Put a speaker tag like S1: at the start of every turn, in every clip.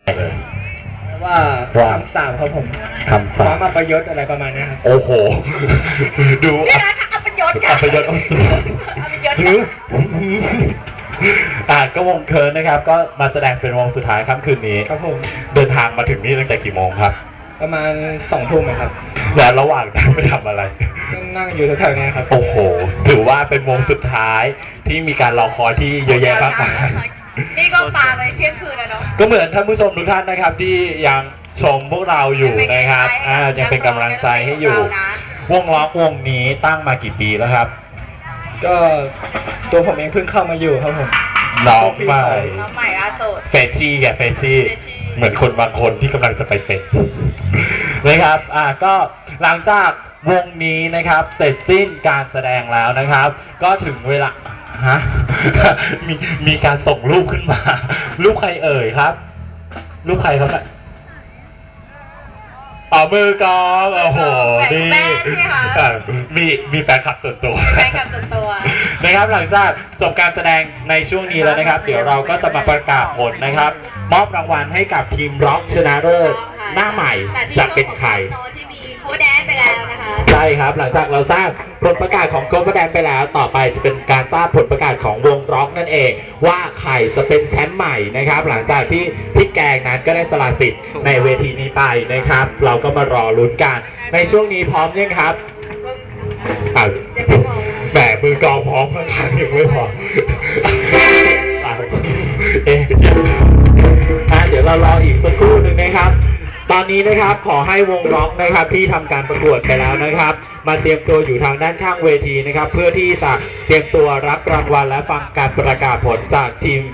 S1: ว่าคำสาปครับผม
S2: คำสาป
S1: มาประยศอะไรประมาณนี้ครับ
S2: โอ้โหดู
S3: อัปยศ
S2: อัปยศอัปยศก็วงเคิร์นนะครับก็มาแสดงเป็นวงสุดท้ายค่ำคืนนี้
S1: ครับผม
S2: เดินทางมาถึงนี่ตั้งแต่กี่โมงครับ
S1: ประมาณ2 ทุ่มครับ
S2: และระหว่างนั้นไปทำอะไร
S1: นั่งอยู่แถวๆนี้ครับ
S2: โอ้โหถือว่าเป็นวงสุดท้ายที่มีการรอคอยที่เยอะแยะมากมาย
S3: นี่ก็ปาไปเที่ยงคืนแล้วเนาะ
S2: ก็เหมือนท่านผู้ชมทุกท่านนะครับที่ยังชมพวกเราอยู่นะครับยังเป็นกำลังใจให้อยู่วงล็อกวงนี้ตั้งมากี่ปีแล้วครับ
S1: ก็ตัวผมเองเพิ่งเข้ามาอยู่ครับผม
S2: น้องใหม่
S3: ล่าสุด
S2: เฟชี่แกเฟชี่เหมือนคนบางคนที่กำลังจะไปเป็นนะครับก็หลังจากวงนี้นะครับเสร็จสิ้นการแสดงแล้วนะครับก็ถึงเวลามีการส่งรูปขึ้นมารูปใครเอ่ยครับรูปใครครับมือกองโอ้โหนี่มีแฟนคลับส่วนตัวนะครับหลังจากจบการแสดงในช่วงนี้แล้วนะครับเดี๋ยวเราก็จะมาประกาศผลนะครับมอบรางวัลให้กับทีมร็อกชนะเลิศหน้าใหม่จะเป็นใคร
S3: โค้ดแดนไปแล้วนะคะ
S2: ใช่ครับหลังจากเราทราบผลประกาศของโค้ดแดนไปแล้วต่อไปจะเป็นการทราบผลประกาศของวงร็อกนั่นเองว่าใครจะเป็นแชมป์ใหม่นะครับหลังจากที่พี่แกงนั้นก็ได้สละสิทธิ์ในเวทีนี้ไปนะครับเราก็มารอลุ้นกันในช่วงนี้พร้อมยังครับแหมมือกองพร้อมข้างๆยังไม่พอเดี๋ยวเรารออีกสักครู่หนึ่งนะครับตอนนี้นะครับขอให้วงร็อกนะครับที่ทำการประกวดไปแล้วนะครับมาเตรียมตัวอยู่ทางด้านข้างเวทีนะครับเพื่อที่จะเตรียมตัวรับรางวัลและฟังการประกาศผลจากทีม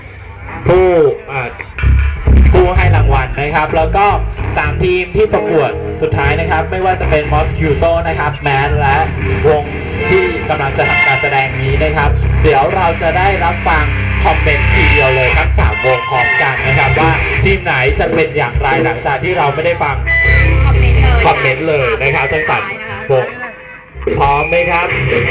S2: ผู้ให้รางวัลนะครับแล้วก็3ทีมที่ประกวดสุดท้ายนะครับไม่ว่าจะเป็นมอสคิวโตนะครับแมนและวงที่กำลังจะทำการแสดงนี้นะครับเดี๋ยวเราจะได้รับฟังคอมเมนต์ทีเดียวเลยทั้ง3วงพร้อมกันนะครับว่าทีมไหนจะเป็นอย่างไรหลังจากที่เราไม่ได้ฟังคอมเมนต์เลยนะครับทั้ง3วงพร้อมไหมครับ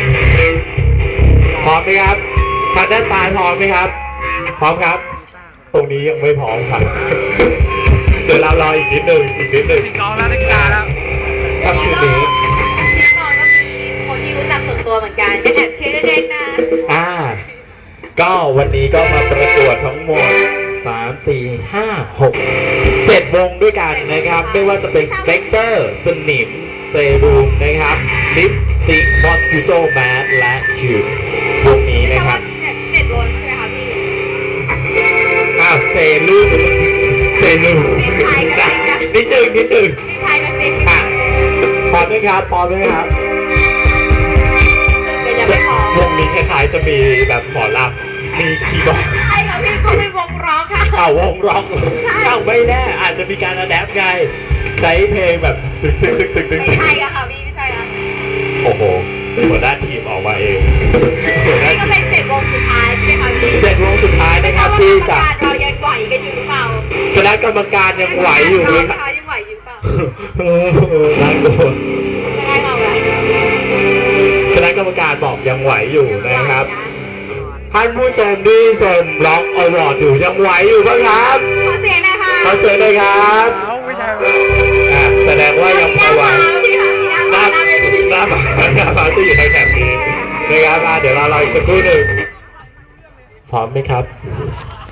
S2: พร้อมไหมครับทางด้านซ้ายพร้อมไหมครับพร้อมครับตรงนี้ยังไม่พร้อมครับเดี๋ยวเรารออีกนิดนึง
S3: กองแล้วนักกีฬาแล้ว
S2: ครับคืนนี้
S3: ที่กองก็มีคนที่รู้จักส่วนตัวเหมือนกันจะแอบเชียร์เด็กๆนะ
S2: ก็วันนี้ก็มาประกวดทั้งหมด3 4 5 6 7วงด้วยกันนะครับไม่ว่าจะเป็นสเปกเตอร์สนิมเซรูมนะครับลิปซิงมอสคิวโจแมสและคิววงนี้นะครับ
S3: 7วงใช่ไหมคะพี่
S2: เซรูมนิดนึง
S3: มีพายกับซิง
S2: พร้อมไหมครับวงนี้คล้ายๆจะมีแบบหมอลำมีคีย์บอร์ด
S3: ใช่ค่ะพี่เขาเป็นวงร็อกค่ะ
S2: วงร็อกไม่แน่อาจจะมีการอะแดปไงใช้เพลงแบบตึก
S3: ไม่ใช่ค่ะพี่ไม่ใช่ค่ะ
S2: โอ้โหหัวหน้าทีมออกมาเอง
S3: นี่ก็เป็น7วงสุดท้ายใช่ไหมคะพี่
S2: 7วงสุดท้ายนะครับที่จะ
S3: เรายังไหวกันอยู่หรือเปล่า
S2: คณะกรรมการยังไหวอยู่ไหมครับ
S3: ยังไหวอยู่เปล่า
S2: น่ากลัว
S3: ใช่เรา
S2: คณะกรรมการบอกยังไหวอยู่นะครับท่านผู้ชมที่ชมร็อกอวอร์ดอยู่ยังไหวอยู่บ้างครับ
S3: ขอเสียงนะคะ
S2: ขอเสียงเลยครับแสดงว่ายังพอไหวหน้าฟ้าจะอยู่ในแถบนี้นะครับเดี๋ยวเรารออีกสักครู่หนึ่งพร้อมไหมครับ